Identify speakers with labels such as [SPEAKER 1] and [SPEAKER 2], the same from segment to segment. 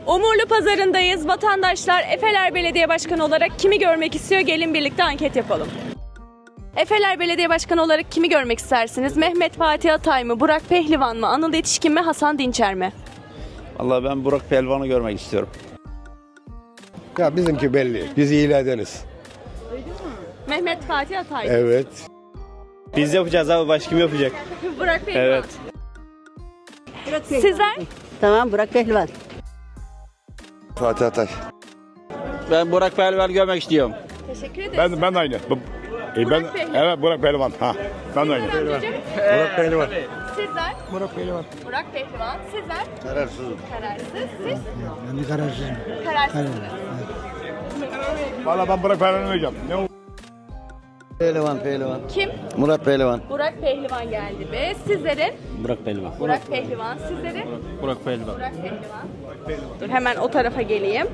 [SPEAKER 1] Umurlu Pazarı'ndayız. Vatandaşlar Efeler Belediye Başkanı olarak kimi görmek istiyor? Gelin birlikte anket yapalım. Efeler Belediye Başkanı olarak kimi görmek istersiniz? Mehmet Fatih Atay mı? Burak Pehlivan mı? Anıl Yetişkin mi? Hasan Dinçer mi?
[SPEAKER 2] Vallahi ben Burak Pehlivan'ı görmek istiyorum.
[SPEAKER 3] Ya bizimki belli. Biz iyiledeniz.
[SPEAKER 1] Mehmet Fatih Atay.
[SPEAKER 3] Evet.
[SPEAKER 2] Biz yapacağız abi, başka kim yapacak?
[SPEAKER 1] Burak Pehlivan.
[SPEAKER 2] Evet.
[SPEAKER 1] Sizler?
[SPEAKER 4] Tamam, Burak Pehlivan.
[SPEAKER 3] Fatih Atay.
[SPEAKER 2] Ben Burak Pehlivan'ı görmek istiyorum.
[SPEAKER 1] Teşekkür ederiz.
[SPEAKER 3] Ben de aynı.
[SPEAKER 1] Burak Pehlivan.
[SPEAKER 3] Evet, Burak Pehlivan. Ha. Ben de aynı.
[SPEAKER 1] Amcacığım,
[SPEAKER 3] Burak Pehlivan.
[SPEAKER 1] sizler?
[SPEAKER 3] Burak Pehlivan.
[SPEAKER 1] Burak Pehlivan. Sizler?
[SPEAKER 3] Kararsızım.
[SPEAKER 1] Kararsız. Siz?
[SPEAKER 3] Ben de kararsızım.
[SPEAKER 1] Kararsız.
[SPEAKER 3] Valla ben Burak Pehlivan'ı vereceğim. Ne o?
[SPEAKER 5] Pehlivan.
[SPEAKER 1] Kim?
[SPEAKER 5] Murat Pehlivan.
[SPEAKER 1] Burak Pehlivan geldi ve sizlerin?
[SPEAKER 2] Burak Pehlivan.
[SPEAKER 1] Burak Pehlivan. Sizlerin?
[SPEAKER 2] Burak Pehlivan.
[SPEAKER 1] Burak Pehlivan. Dur hemen o tarafa geleyim.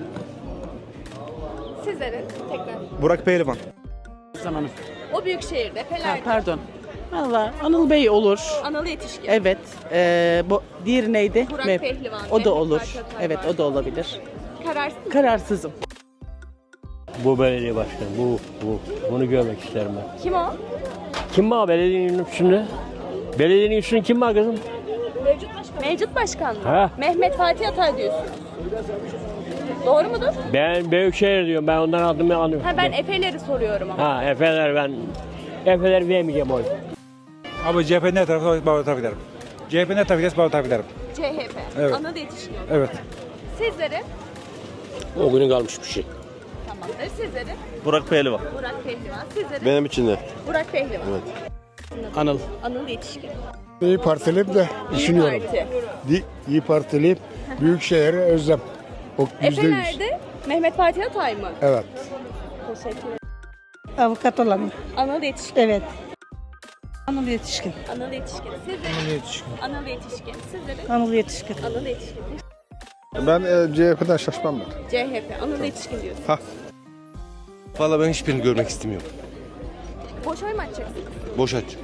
[SPEAKER 1] Sizlerin tekrar.
[SPEAKER 6] Burak Pehlivan.
[SPEAKER 1] O büyük şehirde Fener.
[SPEAKER 7] Pardon. Valla Anıl Bey olur.
[SPEAKER 1] Anıl Yetişkin.
[SPEAKER 7] Evet. Bu diğeri neydi?
[SPEAKER 1] Burak Pehlivan.
[SPEAKER 7] O da
[SPEAKER 1] Mehmet
[SPEAKER 7] olur.
[SPEAKER 1] Fatih Atay
[SPEAKER 7] Evet,
[SPEAKER 1] var.
[SPEAKER 7] o da olabilir.
[SPEAKER 1] Kararsız.
[SPEAKER 7] Kararsızım.
[SPEAKER 8] Bu belediye başkanı, bunu görmek isterim ben.
[SPEAKER 1] Kim o?
[SPEAKER 8] Kim var belediyenin üstünde? Belediyenin üstünde kim var kızım?
[SPEAKER 1] Mevcut başkan. Mevcut başkan mı?
[SPEAKER 8] Ha.
[SPEAKER 1] Mehmet Fatih Atay diyorsunuz. Doğru mudur?
[SPEAKER 8] Ben Büyükşehir diyorum, ben ondan adımı anlıyorum.
[SPEAKER 1] Ha ben Efeler'i soruyorum ama.
[SPEAKER 8] Ha, Efeler vermeyeceğim oy.
[SPEAKER 6] Abi CHP ne tarafı bağlı taraf ederim. CHP ne tarafı ederse bağlı taraf ederim.
[SPEAKER 1] CHP.
[SPEAKER 6] Evet.
[SPEAKER 1] Anıl Yetişkin.
[SPEAKER 6] Evet.
[SPEAKER 1] Sizlerin?
[SPEAKER 8] O günün kalmış bir şey.
[SPEAKER 1] Tamamdır. Sizlerin?
[SPEAKER 2] Burak Pehlivan.
[SPEAKER 1] Burak Pehlivan. Sizlerin?
[SPEAKER 3] Benim için de.
[SPEAKER 1] Burak Pehlivan.
[SPEAKER 2] Anıl.
[SPEAKER 1] Anıl Yetişkin.
[SPEAKER 3] İyi Partiliyim de düşünüyorum.
[SPEAKER 1] Parti.
[SPEAKER 3] İyi Partiliyim. Büyükşehir'e özlem. O %100.
[SPEAKER 1] Efeler'de Mehmet Fatih Atay mı?
[SPEAKER 3] Evet.
[SPEAKER 1] Teşekkür ederim.
[SPEAKER 4] Avukat olan.
[SPEAKER 1] Anıl Yetişkin.
[SPEAKER 4] Evet. Anıl Yetişkin.
[SPEAKER 1] Anıl Yetişkin. Sizlerin? Anıl Yetişkin. Sizlerin?
[SPEAKER 4] Anıl Yetişkin.
[SPEAKER 1] Anıl Yetişkin.
[SPEAKER 3] Ben CHP'den şaşmam ben.
[SPEAKER 1] CHP. Anıl Yetişkin diyorsun.
[SPEAKER 5] Vallahi ben hiçbirini görmek istemiyorum.
[SPEAKER 1] Boş oy mu açacaksın?
[SPEAKER 5] Boş aç.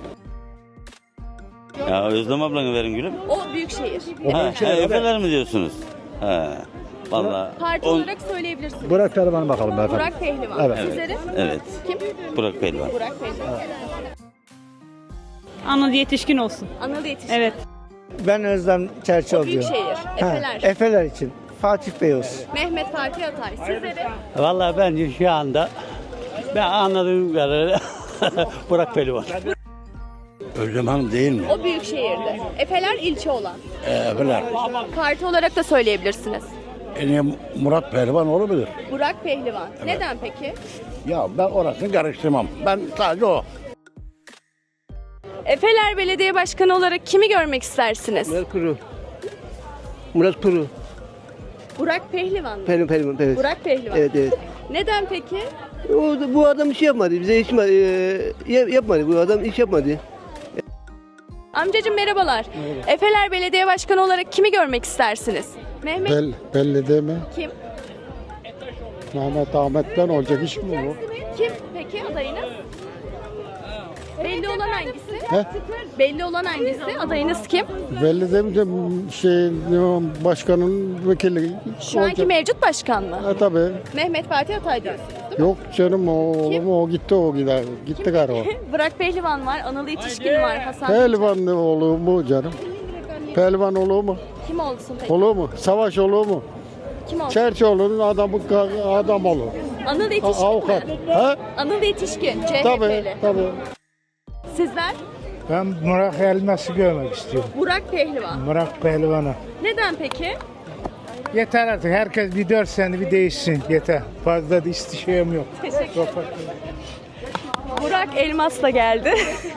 [SPEAKER 2] Ya Özlem ablanı verin gülüm.
[SPEAKER 1] O büyükşehir.
[SPEAKER 2] Efeler mi diyorsunuz? He. Vallahi.
[SPEAKER 1] Parti olarak söyleyebilirsiniz.
[SPEAKER 3] Burak Pehlivan'a bakalım efendim.
[SPEAKER 1] Burak Pehlivan.
[SPEAKER 3] Evet.
[SPEAKER 1] Sizlerin?
[SPEAKER 2] Evet.
[SPEAKER 1] Kim?
[SPEAKER 2] Burak Pehlivan.
[SPEAKER 1] Burak Pehlivan.
[SPEAKER 4] Anıl Yetişkin olsun.
[SPEAKER 1] Anıl Yetişkin.
[SPEAKER 4] Evet.
[SPEAKER 5] Ben Özlem Çerçoğlu
[SPEAKER 1] O büyükşehir. Efeler.
[SPEAKER 5] Efeler için. Fatih Bey olsun.
[SPEAKER 1] Mehmet Fatih Atay. Sizlerin?
[SPEAKER 8] Vallahi bence şu anda ben anladığım kadarıyla Burak Pehlivan.
[SPEAKER 5] Özlem Hanım değil mi?
[SPEAKER 1] O büyükşehirde. Efeler ilçe olan.
[SPEAKER 5] Efeler.
[SPEAKER 1] Parti olarak da söyleyebilirsiniz.
[SPEAKER 5] Murat Pehlivan olabilir.
[SPEAKER 1] Burak Pehlivan. Neden peki?
[SPEAKER 5] Ya ben orasını karıştırmam. Ben sadece o.
[SPEAKER 1] Efeler Belediye Başkanı olarak kimi görmek istersiniz?
[SPEAKER 5] Murat Kuru.
[SPEAKER 1] Burak Pehlivan mı?
[SPEAKER 5] Pehlivan. Evet.
[SPEAKER 1] Burak Pehlivan.
[SPEAKER 5] Evet.
[SPEAKER 1] Neden peki?
[SPEAKER 5] Bu adam iş yapmadı. Bize iş yapmadı. Bu adam iş yapmadı.
[SPEAKER 1] Amcacığım merhabalar. Efeler Belediye Başkanı olarak kimi görmek istersiniz? Mehmet
[SPEAKER 3] Belli değil mi?
[SPEAKER 1] kim?
[SPEAKER 3] Mehmet Ahmet'ten olacak iş mi bu?
[SPEAKER 1] Kim peki adayınız? Belli olan hangisi?
[SPEAKER 3] He?
[SPEAKER 1] Belli olan hangisi? Adayınız kim?
[SPEAKER 3] Belli değil mi? Başkanın vekili.
[SPEAKER 1] Şu anki mevcut başkan mı?
[SPEAKER 3] Tabii.
[SPEAKER 1] Mehmet Fatih Atay diyorsunuz değil mi?
[SPEAKER 3] Yok canım o gitti o gider. Gitti galiba.
[SPEAKER 1] Burak Pehlivan var, Anıl Yetişkin var, Hasan.
[SPEAKER 3] Pehlivan olur mu canım? Pehlivan olur mu?
[SPEAKER 1] Kim olsun peki?
[SPEAKER 3] Olur mu? Savaş olur mu?
[SPEAKER 1] Kim olsun?
[SPEAKER 3] Çerçoğlu'nun adam olur.
[SPEAKER 1] Anıl Yetişkin
[SPEAKER 3] Avukat.
[SPEAKER 1] mi?
[SPEAKER 3] Ha?
[SPEAKER 1] Anıl Yetişkin,
[SPEAKER 3] Tabii,
[SPEAKER 1] CHP'li.
[SPEAKER 3] tabii.
[SPEAKER 1] Sizler?
[SPEAKER 9] Ben Burak Elmas'ı görmek istiyorum.
[SPEAKER 1] Burak Pehlivan.
[SPEAKER 9] Burak Pehlivan'ı.
[SPEAKER 1] Neden peki?
[SPEAKER 9] Yeter artık. Herkes bir 4 sene bir değişsin. Yeter. Fazla da istişem yok.
[SPEAKER 1] Teşekkür ederim. Burak Elmas da geldi.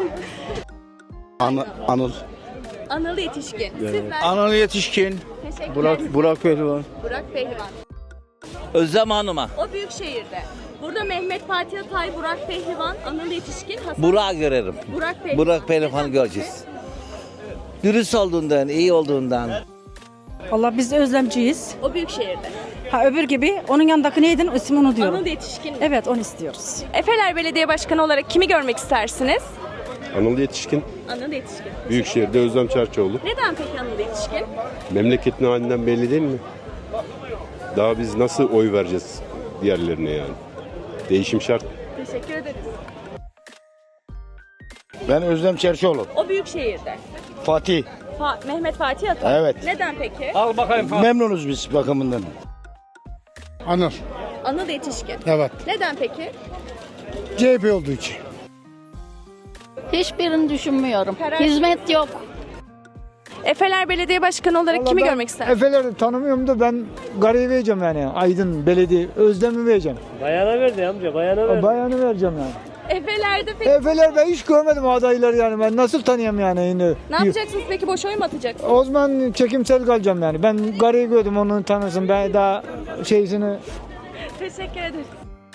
[SPEAKER 5] Anıl.
[SPEAKER 1] Anıl Yetişkin. Sizler?
[SPEAKER 5] Anıl Yetişkin.
[SPEAKER 1] Teşekkürler.
[SPEAKER 5] Burak Pehlivan.
[SPEAKER 1] Burak Pehlivan.
[SPEAKER 2] Özlem Hanım'a.
[SPEAKER 1] O büyük şehirde. Burada Mehmet Fatih Atay, Burak Pehlivan, Anıl Yetişkin, Hasan.
[SPEAKER 2] Burak'ı görelim.
[SPEAKER 1] Burak Pehlivan.
[SPEAKER 2] Burak Pehlivan'ı göreceğiz. Dürüst olduğundan, iyi olduğundan.
[SPEAKER 4] Valla biz özlemciyiz.
[SPEAKER 1] O büyük şehirde.
[SPEAKER 4] Ha öbür gibi onun yanındaki neydin? İsmini unutuyorum.
[SPEAKER 1] Anıl Yetişkin.
[SPEAKER 4] Evet, onu istiyoruz.
[SPEAKER 1] Efeler Belediye Başkanı olarak kimi görmek istersiniz?
[SPEAKER 3] Anıl Yetişkin.
[SPEAKER 1] Anıl Yetişkin.
[SPEAKER 3] Büyükşehir'de Özlem Çerçoğlu.
[SPEAKER 1] Neden peki Anıl Yetişkin?
[SPEAKER 3] Memleketin halinden belli değil mi?
[SPEAKER 10] Daha biz nasıl oy vereceğiz diğerlerine yani? Değişim şart.
[SPEAKER 1] Teşekkür ederiz.
[SPEAKER 3] Ben Özlem Çerçioğlu.
[SPEAKER 1] O büyük şehirde.
[SPEAKER 3] Fatih.
[SPEAKER 1] Mehmet Fatih Atay.
[SPEAKER 3] Evet.
[SPEAKER 1] Neden peki?
[SPEAKER 6] Al bakayım.
[SPEAKER 3] Memnunuz biz bakımından.
[SPEAKER 9] Anıl.
[SPEAKER 1] Anıl Yetişkin.
[SPEAKER 9] Evet.
[SPEAKER 1] Neden peki?
[SPEAKER 9] CHP olduğu için.
[SPEAKER 11] Hiçbirini düşünmüyorum.
[SPEAKER 1] Karar-
[SPEAKER 11] Hizmet yok.
[SPEAKER 1] Efeler Belediye Başkanı olarak kimi görmek istersiniz?
[SPEAKER 9] Efeler'i tanımıyorum da ben Gari'yi vereceğim yani. Aydın Belediye. Özlem'i vereceğim.
[SPEAKER 8] Bayana verdi amca, bayana verdi.
[SPEAKER 9] Bayanı vereceğim yani.
[SPEAKER 1] Efeler'de peki
[SPEAKER 9] Efeler ben hiç görmedim adayları yani. Ben nasıl tanıyayım yani yine.
[SPEAKER 1] ne yapacaksınız peki? Boş oy mu atacaksınız?
[SPEAKER 9] O zaman çekimsel kalacağım yani. Ben Gari'yi gördüm, onu tanırsın. Ben daha şeysini...
[SPEAKER 1] Teşekkür ederiz.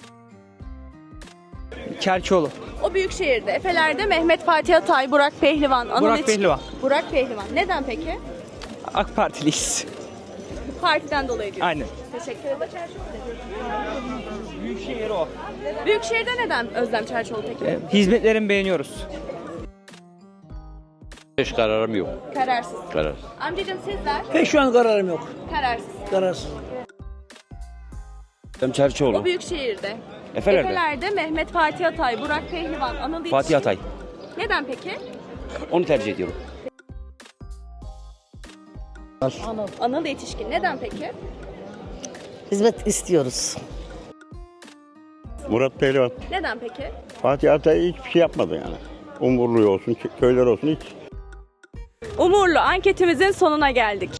[SPEAKER 7] Çerçoğlu.
[SPEAKER 1] O büyük şehirde. Efeler'de Mehmet Fatih Atay, Burak Pehlivan, Anıl
[SPEAKER 7] Burak
[SPEAKER 1] Yetişkin.
[SPEAKER 7] Pehlivan.
[SPEAKER 1] Burak Pehlivan. Neden peki?
[SPEAKER 7] AK Partiliyiz.
[SPEAKER 1] Partiden dolayı diyor.
[SPEAKER 7] Aynen.
[SPEAKER 1] Teşekkür ederim.
[SPEAKER 7] Büyükşehir o.
[SPEAKER 1] Büyükşehir'de neden Özlem Çerçioğlu peki?
[SPEAKER 7] Hizmetlerini beğeniyoruz.
[SPEAKER 8] Hiç kararım yok.
[SPEAKER 1] Kararsız.
[SPEAKER 8] Karar.
[SPEAKER 1] Amcacığım sizler?
[SPEAKER 8] Pek şu an kararım yok.
[SPEAKER 1] Kararsız.
[SPEAKER 8] Kararsız.
[SPEAKER 7] Özlem Çerçoğlu.
[SPEAKER 1] O büyük şehirde.
[SPEAKER 7] Efeler'de.
[SPEAKER 1] Efeler'de Mehmet Fatih Atay, Burak Pehlivan, Anıl Yetişkin.
[SPEAKER 7] Fatih Atay.
[SPEAKER 1] Neden peki?
[SPEAKER 7] Onu tercih ediyorum.
[SPEAKER 1] Anıl Yetişkin. Neden peki?
[SPEAKER 4] Hizmet istiyoruz.
[SPEAKER 10] Murat Pehlivan.
[SPEAKER 1] Neden peki?
[SPEAKER 10] Fatih Atay hiçbir şey yapmadı yani. Umurlu olsun, köyler olsun hiç.
[SPEAKER 1] Umurlu anketimizin sonuna geldik.